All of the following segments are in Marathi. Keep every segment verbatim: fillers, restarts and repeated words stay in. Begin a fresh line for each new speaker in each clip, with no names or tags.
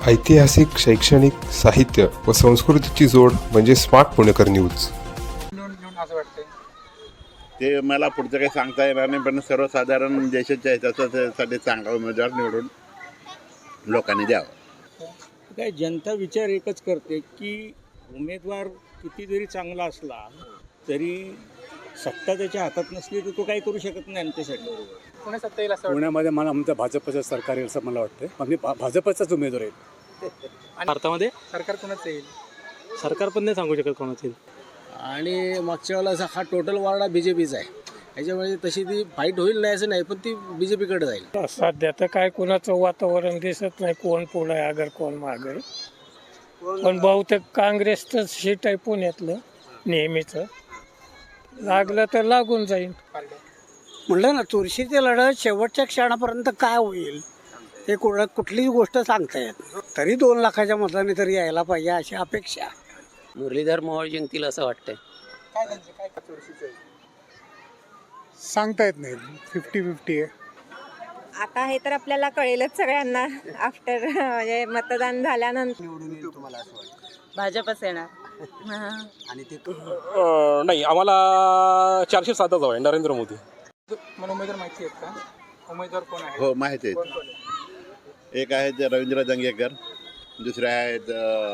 ऐतिहासिक, शैक्षणिक, साहित्य व संस्कृतीची जोड म्हणजे स्मार्ट पुणेकर न्यूज.
ते मला पुढचं काही सांगता येणार नाही, पण सर्वसाधारण देशाच्या हितासाठी चांगला उमेदवार निवडून लोकांनी द्यावा.
काय जनता विचार एकच करते की उमेदवार किती जरी चांगला असला तरी सत्ता त्याच्या हातात नसली तर तो काही करू शकत नाही आमच्यासाठी.
पुणे सत्ता येईल असं
पुण्यामध्ये मला आमचं भाजपचं सरकार येईल असं मला वाटतं. आम्ही भा भाजपचाच उमेदवार आहे.
भारतामध्ये
सरकार कोणाचं येईल?
सरकार पण नाही सांगू शकत कोणाचं येईल.
आणि मागच्या वेळेला हा टोटल वार्डा बी जे पीचा आहे. याच्यामुळे तशी ती फाईट होईल नाही असं नाही, पण ती बी जे पीकडे जाईल.
सध्या तर काय कोणाचं वातावरण दिसत नाही, कोण पुढे अगर कोण मागे. पण बहुतेक काँग्रेसचं सीट आहे पुण्यातलं नेहमीचं. लागलं तर लागून जाईल.
म्हणलं ना, चुरशीची लढत शेवटच्या क्षणापर्यंत काय होईल हे कुठं कुठलीच गोष्ट सांगता येत. तरी दोन लाखाच्या मताने तरी यायला पाहिजे अशी अपेक्षा.
मुरलीधर मोहोळ जिंकतील असं वाटतंय.
काय त्यांचे काय चुरशीचं आहे?
सांगता येत नाही. फिफ्टी फिफ्टी आहे.
आता हे तर आपल्याला कळेलच सगळ्यांना आफ्टर म्हणजे मतदान झाल्यानंतर.
भाजपच येणार.
आणि ते
नाही, आम्हाला चारशे सातच हवा आहे, नरेंद्र मोदी.
मला उमेदवार माहिती आहेत का? उमेदवार कोण आहे?
हो, माहिती आहेत.
कोण कोण आहे?
एक आहेत रवींद्र दंगेकर, दुसरे आहेत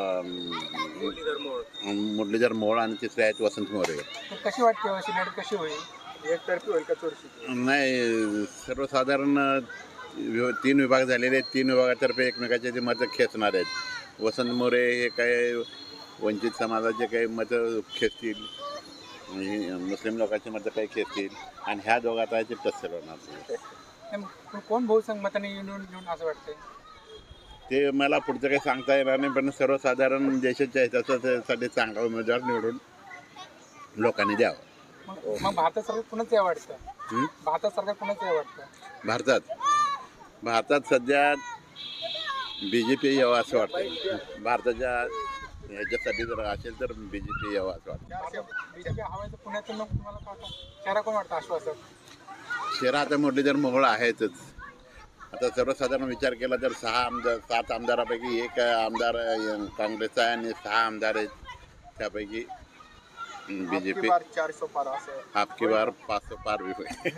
मुरलीधर मोहोळ आणि तिसरे आहेत वसंत मोरे.
तर कशी वाटते अशी लढत कशी होईल? एकतर्फी होईल का चुरशी?
नाही, सर्वसाधारण वि- तीन विभाग झालेले आहेत. तीन विभागातर्फे एकमेकाचे ते मतं खेचणार आहेत. वसंत मोरे हे काय वंचित समाजाचे काही मतं खेचतील, आणि मुस्लिम लोकांची मतं काही खेचतील, आणि ह्या दोघात आहे ते टस्सल होणार.
नाही, मग कोण बहुसंख्य मताने निवडून निवडून असं वाटतंय?
ते मला पुढचं काही सांगता येणार नाही, पण सर्वसाधारण देशाच्या हितासाठी चांगला उमेदवार निवडून लोकांनी द्यावा.
मग मग भारतात सरकार कोणाचं या वाटतं?
हं?
भारतात सरकार कोणाचं या वाटतं?
भारतात भारतात सध्या बी जे पी यावं असं वाटतं. भारताच्या ह्याच्यासाठी जर असेल तर बी जे पी यावं असं वाटतं.
बीजेपी हवायचं पुण्यातून मग तुम्हाला काय वाटतं? शहरा कोण वाटतं आश्वासक?
शहरात आता मुरलीधर मोहोळ आहेतच. आता सर्वसाधारण विचार केला तर सहा आमदार सात आमदारापैकी एक आमदार काँग्रेसचा आहे आणि सहा आमदार आहेत त्यापैकी बी जे पी.
चारशे पार असं
आपकी बार पाच सौ पार भी होईल.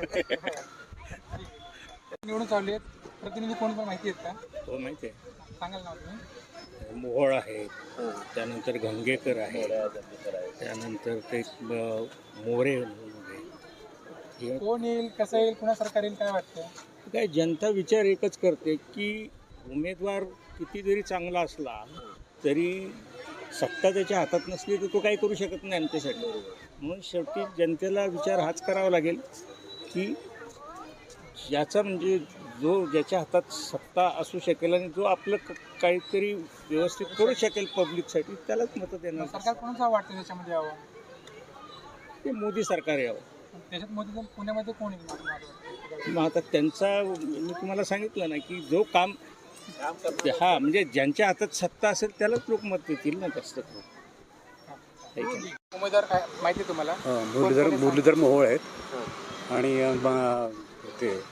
निवडून चालले आहेत. प्रतिनिधी कोण पण माहिती आहेत का?
हो माहिती आहे.
सांगाल ना तुम्ही.
मोहोळ आहे, त्यानंतर गंगेकर आहे, त्यानंतर ते ब- मोरे हे.
कोण येईल, कसं येईल, कुणा सरकार येईल, काय वाटतं?
काय जनता विचार एकच करते की उमेदवार किती जरी चांगला असला तरी सत्ता त्याच्या हातात नसली तर तो काही करू शकत नाही आमच्यासाठी. म्हणून शेवटी जनतेला विचार हाच करावा लागेल की याचा म्हणजे जो ज्याच्या हातात सत्ता असू शकेल आणि जो आपलं क- काहीतरी व्यवस्थित करू शकेल पब्लिकसाठी त्यालाच मतं देणार.
सरकार कोणाचं वाटतं त्याच्यामध्ये यावं?
ते मोदी सरकार यावं.
त्याच्यात मोदी जर पुण्यामध्ये कोण येईल मला वाटतं?
मग आता त्यांचा मी तुम्हाला सांगितलं ना की जो काम हा म्हणजे ज्यांच्या हातात सत्ता असेल त्यालाच लोक मत देतील ना जास्त करून. है की नाही?
उमेदवार काय माहिती आहे तुम्हाला?
मुरलीधर मुरलीधर मोहोळ आहेत आणि अं, ब- ते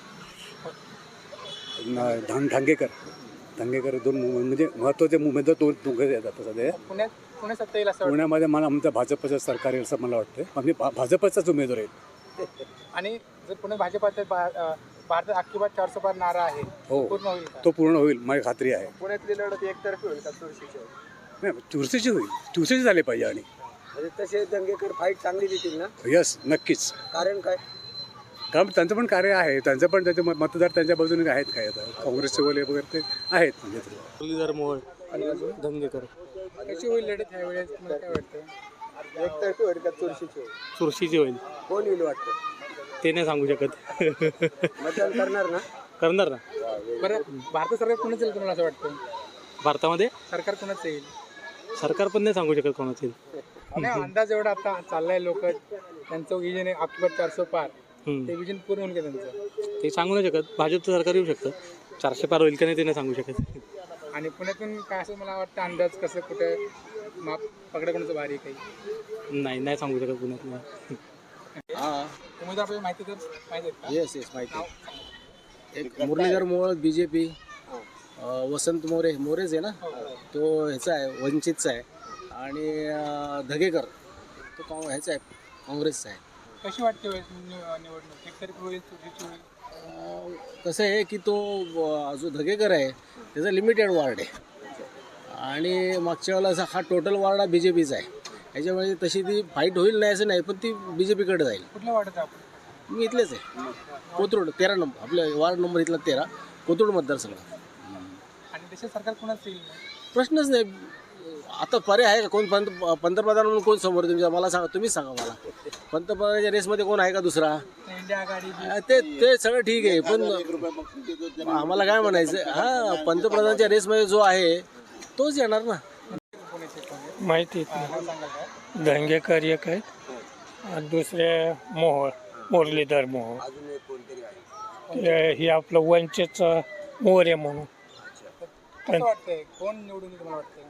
न- धां धांगेकर धांगेकर दोन मु- म्हणजे महत्त्वाचे उमेदवार दोन दोघे येतात सध्या.
पुण्यात पुणे सत्ता येईल असं वाटतं?
पुण्यामध्ये मला आमचं भाजपचं सरकार येईल असं मला वाटतं. आम्ही भा भाजपचाच उमेदवार आहे.
आणि जर पुणे भाजपात भारतात अख्खी बात चारशे पार नारा आहे,
हो.
पूर्ण होईल का?
तो पूर्ण होईल माझी खात्री आहे.
पुण्यातली लढत एकतर्फी होईल का चुरशीची?
नाही, चुरशीची होईल. चुरशीची झाली पाहिजे. आणि
म्हणजे तसे दंगेकर फाईट चांगली देतील ना?
यस, नक्कीच.
कारण काय?
कारण त्यांचं पण कार्य आहे. त्यांचं पण त्याचे मत- मतदार त्यांच्या बाजूने आहेत. काय आता काँग्रेसचे वगैरे वगैरे ते आहेत. म्हणजे ते
मुरलीधर मोहोळ, दंगेकर.
कशी होईल लढत ह्या वेळेस तुम्हाला काय वाटतं? एकतर्फी होईल का चुरशीची होईल?
चुरशीची होईल.
कोण येईल वाटतं?
ते नाही सांगू शकत.
मतदान करणार ना?
करणार ना.
बरं, भारत सरकार कोणाचं येईल तुम्हाला असं वाटतं?
भारतामध्ये
सरकार कोणाचं येईल?
सरकार पण नाही सांगू शकत कोणाचं येईल.
नाही, अंदाज एवढा आता चाललाय, लोक त्यांचं विजन आहे अख्खी बात चारशे पार.
हम्म.
ते विजन पूर्ण होईल का त्यांचं?
ते सांगू नाही शकत. भाजपचं सरकार येऊ शकतं. चारशे पार होईल का नाही ते नाही सांगू शकत.
आणि पुण्यातून काय असं मला वाटतं अंदाज कसं कुठं माप पकडा कोणाचं भारी आहे काही?
नाही नाही सांगू शकत पुण्यात.
उमेदवार आपल्याला माहिती तर माहिती आहेत का?
येस येस माहिती. एक Muralidhar Mohol B J P अं, वसंत मोरे मोरेच आहे ना, तो ह्याचा आहे वंचितचा आहे. आणि अं, धगेकर तो काँ ह्याचा आहे काँग्रेसचा आहे.
कशी वाटते वेळेस निव- निवडणूक एकतर्फी होईल चुरशीची होईल?
अं, कसं आहे की तो अं, जो धगेकर आहे त्याचा लिमिटेड वॉर्ड आहे आणि मागच्या वेळेला हा टोटल वॉर्ड हा बी जे पीचा आहे. ह्याच्यामुळे तशी ती फाईट होईल नाही असं नाही, पण ती बी जे पीकडे जाईल.
कुठलं वाटत आपण?
मी इथलेच आहे, कोथरूड तेरा नंबर, आपल्या वार्ड नंबर इथला तेरा, कोथरूड मतदारसंघ.
आणि देशात सरकार कुणाच येईल?
प्रश्नच नाही. आता पर्याय आहे का? कोण पंत पंतप्रधान म्हणून कोण समोर आहे तुमच्या? मला सांगा, तुम्हीच सांगा मला. पंतप्रधानाच्या रेसमध्ये कोण आहे का दुसरा?
इंडिया आघाडी
अं, ते ते सगळं ठीक आहे, पण आम्हाला काय म्हणायचं, हा पंतप्रधानाच्या रेसमध्ये जो आहे तोच येणार ना.
माहिती
नाव सांगाल का?
धंगेकर एक आहेत आणि दुसरे मोहोळ मुरलीधर मोहोळ. ते- हे आपलं वंचितचं मोरे म्हणून.
कसं वाटतंय कोण निवडून येईल तुम्हाला वाटतंय?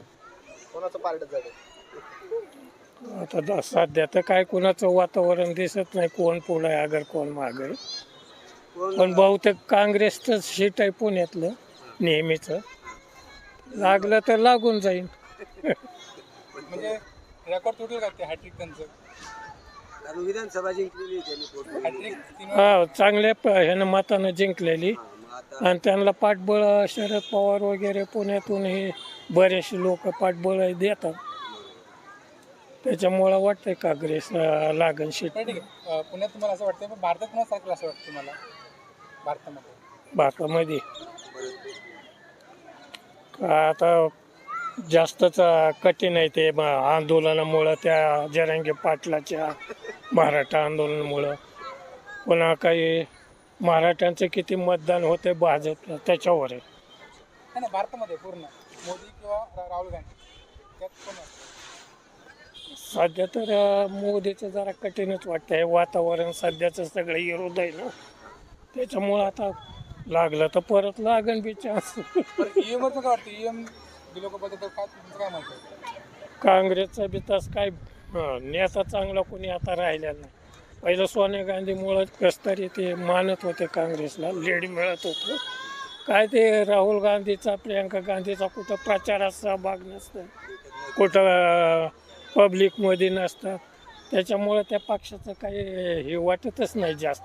आता द- सध्या तर काय कुणाचं वातावरण दिसत नाही, कोण पुढं आहे अगर कोण मागं आहे. पण बहुतेक काँग्रेसचं सीट आहे पुण्यातलं नेहमीचं. लागलं तर लागून जाईल.
म्हणजे रेकॉर्ड तुटेल का ते हॅट्रिक त्यांचं?
विधानसभा जिंकलेली
हॅट्रिक तीन
हा, चांगल्या प- ह्यानं मतानं जिंकलेली आणि त्यांना पाठबळ शरद पवार वगैरे पुण्यातून हे बरेचसे लोक पाठबळ देतात. त्याच्यामुळं वाटतंय काँग्रेस अं, लागन सीट
ठीक आहे. अं, पुण्यात तुम्हाला असं वाटतं पण भारतात कुणाच सरकार असं वाटतं तुम्हाला भारतामध्ये?
भारतामध्ये. आता जास्तच कठीण आहे ते म- आंदोलनामुळं, त्या जरांगे पाटलाच्या मराठा आंदोलनामुळं. पुन्हा काही मराठ्यांचं किती मतदान होते भाजपला त्याच्यावर आहे.
नाही नाही, भारतामध्ये पूर्ण मोदी किंवा रा- राहुल गांधी त्यात कोण वाटतं?
सध्या तर अं, मोदीचं जरा कठीणच वाटतंय. वातावरण सध्याचं सगळं विरोध आहे ना, त्याच्यामुळं आता लागलं तर परत लागन बी चान्स.
ईएम वर काय वाटतं? ईएम लोकांबद्दल तर काय तुमचं काय म्हणतं?
काँग्रेसचा बी तसं काय हं, नेता चांगला कोणी आता राहिलेला नाही. पहिलं सोनिया गांधीमुळं कस तरी ते मानत होते काँग्रेसला, लीड मिळत होतं. काय ते राहुल गांधीचा प्रियंका गांधीचा कुठं प्रचारात सहभाग नसतं, कुठं पब्लिकमध्ये नसतात. त्याच्यामुळं त्या पक्षाचं काही हे वाटतच नाही जास्त.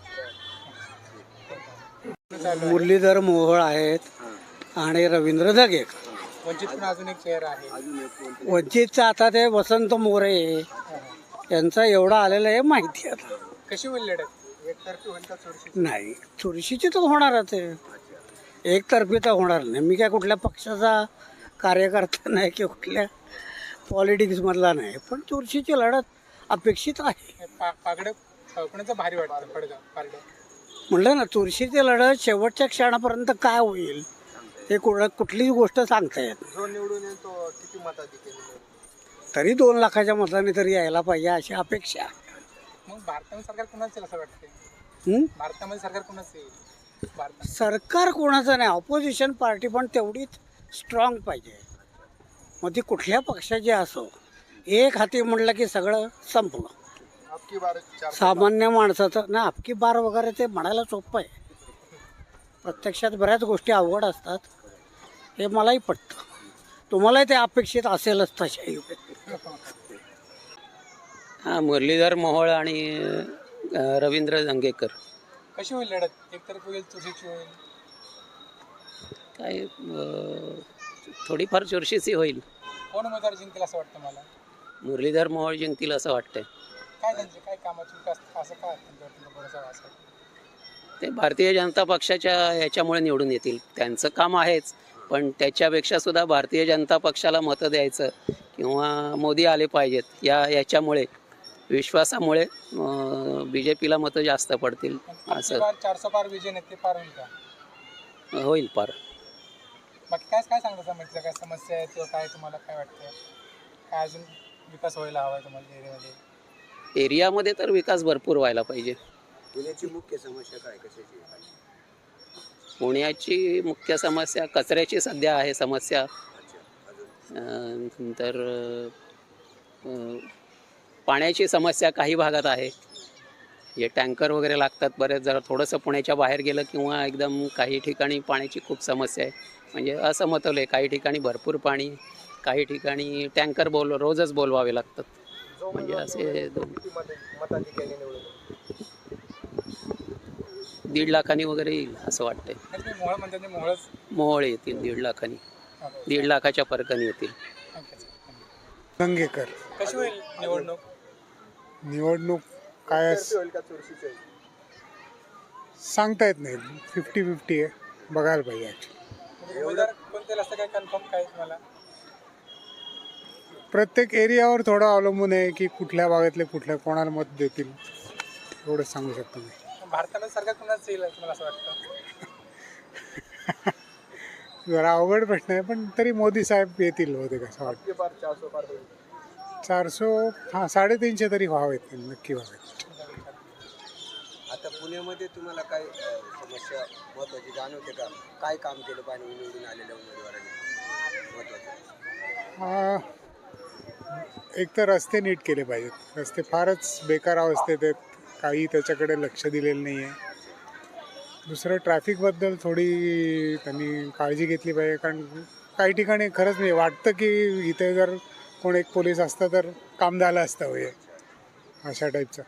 मुरलीधर मोहोळ आहेत आणि रवींद्र धगेकर.
वंचित पण अजून एक चेहरा आहे.
वंचितचा आता ते वसंत मोरे यांचा एवढा आलेला आहे माहिती आता.
कशी होईल लढत? एकतर्फी होईल का चुरशी?
नाही, चुरशीची तर होणारच आहे, एकतर्फी तर होणार नाही. मी काय कुठल्या पक्षाचा कार्यकर्ता नाही किंवा कुठल्या पॉलिटिक्समधला नाही, पण चुरशीची लढत अपेक्षित आहे.
पा- पागडं अं, कुणाचं भारी वाटतं? पडगा पारडं
म्हटलं ना, चुरशीची लढत शेवटच्या क्षणापर्यंत काय होईल हे कुठं कुठलीच गोष्ट सांगता येत नाही.
जो निवडून येईल तो किती मताधिक्य?
तरी दोन लाखाच्या मताने तरी यायला पाहिजे अशी अपेक्षा.
मग भारतामध्ये सरकार कुणाचं येईल असं वाटतंय?
हं?
भारतामध्ये सरकार कुणाचं येईल? भारतात
सरकार कोणाचं नाही, ऑपोजिशन पार्टी पण तेवढीच स्ट्रॉंग पाहिजे. मग ती कुठल्या पक्षाची असो, एक हाती म्हटलं की सगळं संपलं.
अबकी बार चार
सामान्य माणसाचं ना अबकी बार वगैरे ते म्हणायला सोपं आहे, प्रत्यक्षात बऱ्याच गोष्टी अवघड असतात, हे मलाही पटतं. तुम्हालाही ते अपेक्षित असेलच तशाही.
हां, मुरलीधर मोहोळ आणि अं, रवींद्र धंगेकर.
कशी होईल लढत? एकतर्फी होईल चुरशीची होईल?
काय अं, थोडीफार चुरशीची होईल.
कोण उमेदवार जिंकेल असं वाटतं मला?
मुरलीधर मोहोळ जिंकतील असं वाटतंय.
काय त्यांचे काय कामाची विकास असं काय त्यांच्यावर तुला भरोसा आहे असं?
ते भारतीय जनता पक्षाच्या ह्याच्यामुळे निवडून येतील. त्यांचं काम आहेच, पण त्याच्यापेक्षा सुद्धा भारतीय जनता पक्षाला मतं द्यायचं किंवा मोदी आले पाहिजेत या याच्यामुळे विश्वासामुळे बी जे पीला मतं जास्त पडतील असं
चारशे पार विजय नाही ते पार होईल का?
होईल पार.
बाकी काय काय सांगता समजलं? काय समस्या आहे किंवा काय तुम्हाला काय वाटतं? काय अजून विकास व्हायला हवा आहे तुम्हाला एरियामध्ये?
एरियामध्ये तर विकास भरपूर व्हायला पाहिजे.
पुण्याची मुख्य समस्या काय, कशाची?
पुण्याची मुख्य समस्या कचऱ्याची सध्या आहे समस्या. अं, नंतर अं, पाण्याची समस्या काही भागात आहे. हे टँकर वगैरे लागतात बरेच. जरा थोडंसं पुण्याच्या बाहेर गेलं किंवा एकदम काही ठिकाणी पाण्याची खूप समस्या आहे. म्हणजे असं मतवलं आहे, काही ठिकाणी भरपूर पाणी, काही ठिकाणी टँकर बोल रोजच बोलवावे लागतात. म्हणजे असे दोन दीड लाखांनी वगैरे येईल असं वाटतंय.
मोहळ म्हणतात ते मोहळच.
मोहोळ येतील दीड लाखांनी, दीड लाखाच्या फरकाने येतील.
दंगेकर.
कशी होईल निवडणूक?
निवडणूक काय सांगता येत नाही, फिफ्टी फिफ्टी आहे, बघायला पाहिजे.
म्हणजे उमेदवार कोणते असतं काय कन्फर्म काय तुम्हाला?
प्रत्येक एरियावर थोडं अवलंबून आहे की कुठल्या भागातले कुठल्या कोणाला मत देतील, एवढं सांगू शकतो मी.
भारतामध्ये सरकार कुणाच येईल तुम्हाला असं वाटतं?
जरा अवघड प्रश्न आहे, पण तरी मोदी साहेब येतील होते कसं वाटतं. चारशे हां साडेतीनशे तरी व्हावेत, नक्की व्हावेत.
आता पुण्यामध्ये तुम्हाला काय समस्या महत्वाची जाणवते का? काय काम केलं पाहिजे निवडून आलेल्या उमेदवारांनी महत्वाचं?
एक तर रस्ते नीट केले पाहिजेत. रस्ते फारच बेकार अवस्थेत आहेत, काही त्याच्याकडे लक्ष दिलेलं नाही आहे. दुसरं ट्रॅफिकबद्दल थोडी त्यांनी काळजी घेतली पाहिजे, कारण काही ठिकाणी खरंच नाही वाटतं की इथे जर कोण एक पोलीस असता तर काम झालं असतं होय, अशा टाईपचं.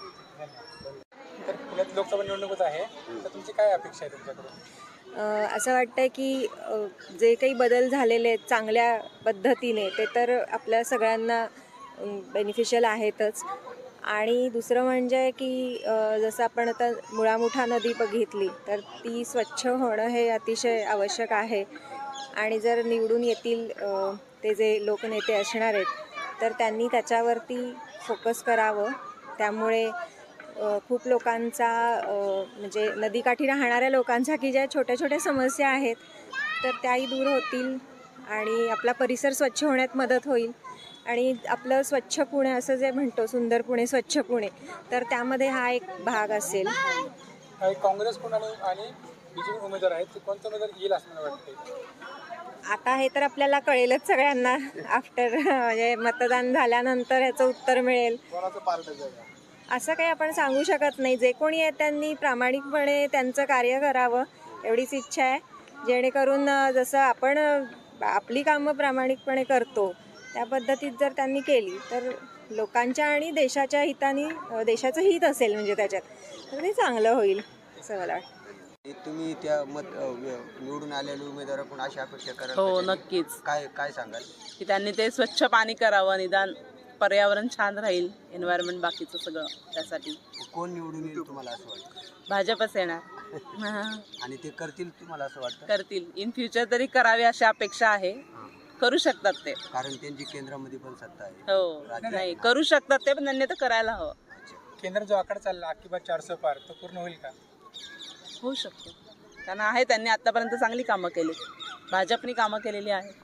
तर पुण्यात लोकसभा निवडणूकच आहे, तर तुमची काय अपेक्षा आहे तुमच्याकडून?
असं वाटतं की जे काही बदल झालेले आहेत चांगल्या पद्धतीने ते तर आपल्या सगळ्यांना बेनिफिशियल आहेतच. आणि दुसरं म्हणजे की जसं आपण आता मुळामुठा नदी बघितली तर ती स्वच्छ होणं हे अतिशय आवश्यक आहे. आणि जर निवडून येतील ते जे लोकनेते असणार आहेत तर त्यांनी त्याच्यावरती फोकस करावं. त्यामुळे खूप लोकांचा म्हणजे नदीकाठी राहणाऱ्या लोकांच्या की ज्या छोट्या छोट्या समस्या आहेत तर त्याही दूर होतील आणि आपला परिसर स्वच्छ होण्यात मदत होईल. आणि आपलं स्वच्छ पुणे असं जे म्हणतो, सुंदर पुणे स्वच्छ पुणे, तर त्यामध्ये हा एक भाग असेल.
काँग्रेस कोण आणि आणि बीजेपी उमेदवार आहेत, ते कोणतं उमेदवार येईल असं मला वाटतं?
आता हे तर आपल्याला कळेलच सगळ्यांना आफ्टर म्हणजे मतदान झाल्यानंतर ह्याचं उत्तर मिळेल. असं काही आपण सांगू शकत नाही. जे कोणी आहे त्यांनी प्रामाणिकपणे त्यांचं कार्य करावं एवढीच इच्छा आहे, जेणेकरून जसं आपण आपली कामं प्रामाणिकपणे करतो त्या पद्धतीत जर त्यांनी केली तर लोकांच्या आणि देशाच्या हिताने, देशाचं हित असेल म्हणजे त्याच्यात, तर ते चांगलं होईल असं मला वाटतं.
तुम्ही त्या मत निवडून आलेल्या उमेदवाराकडून अशी अपेक्षा करा?
हो नक्कीच.
काय काय सांगाल?
की त्यांनी ते स्वच्छ पाणी करावं, निदान पर्यावरण छान राहील, एन्व्हायरमेंट बाकीचं सगळं. त्यासाठी
कोण निवडून येईल तुम्हाला असं वाटतं?
भाजपच येणार.
आणि ते करतील तुम्हाला असं वाटतं?
करतील, इन फ्युचर तरी करावे अशी अपेक्षा आहे. करू शकतात ते,
कारण त्यांची केंद्रामध्ये पण सत्ता आहे.
हो नाही करू शकतात ते, पण त्यांनी तर करायला हवं.
केंद्र जो आकडा चालला अख्खी बात चारशे पार, तो पूर्ण होईल का?
होऊ शकतो, कारण आहे त्यांनी आतापर्यंत चांगली कामं केली, भाजपनी कामं केलेली आहेत.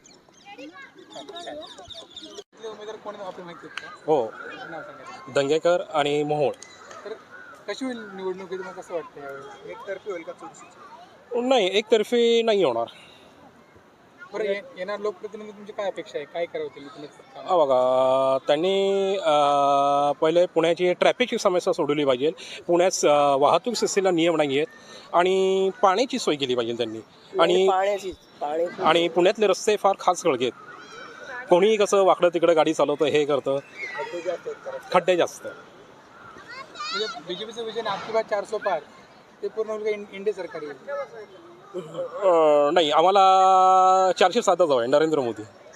उमेदवार कोण आपल्याला माहिती आहेत का?
हो, दंगेकर आणि मोहोळ.
तर कशी होईल निवडणूक, तुम्हाला कसं वाटतं यावेळी? एकतर्फी होईल का चुरशीची?
नाही, एकतर्फी नाही होणार.
बरं, येणार लोकप्रतिनिधी तुमची काय अपेक्षा आहे, काय करावं त्यांनी?
हा बघा, त्यांनी पहिले पुण्याची ट्रॅफिकची समस्या सोडवली पाहिजे. पुण्यात वाहतूक सिस्टीमला नियम नाही आहेत आणि पाण्याची सोय केली पाहिजे त्यांनी. आणि आणि पुण्यातले रस्ते फार खास खळगे आहेत. कोणीही कसं वाकडं तिकडं गाडी चालवतं, हे करतं, खड्डे जास्त.
म्हणजे बीजेपीचं विजन अख्खी बात चारशे पार ते पूर्ण होईल का इंडिया सरकार येईल?
नाही, आम्हाला चारशे सातच हवं आहे, नरेंद्र मोदी.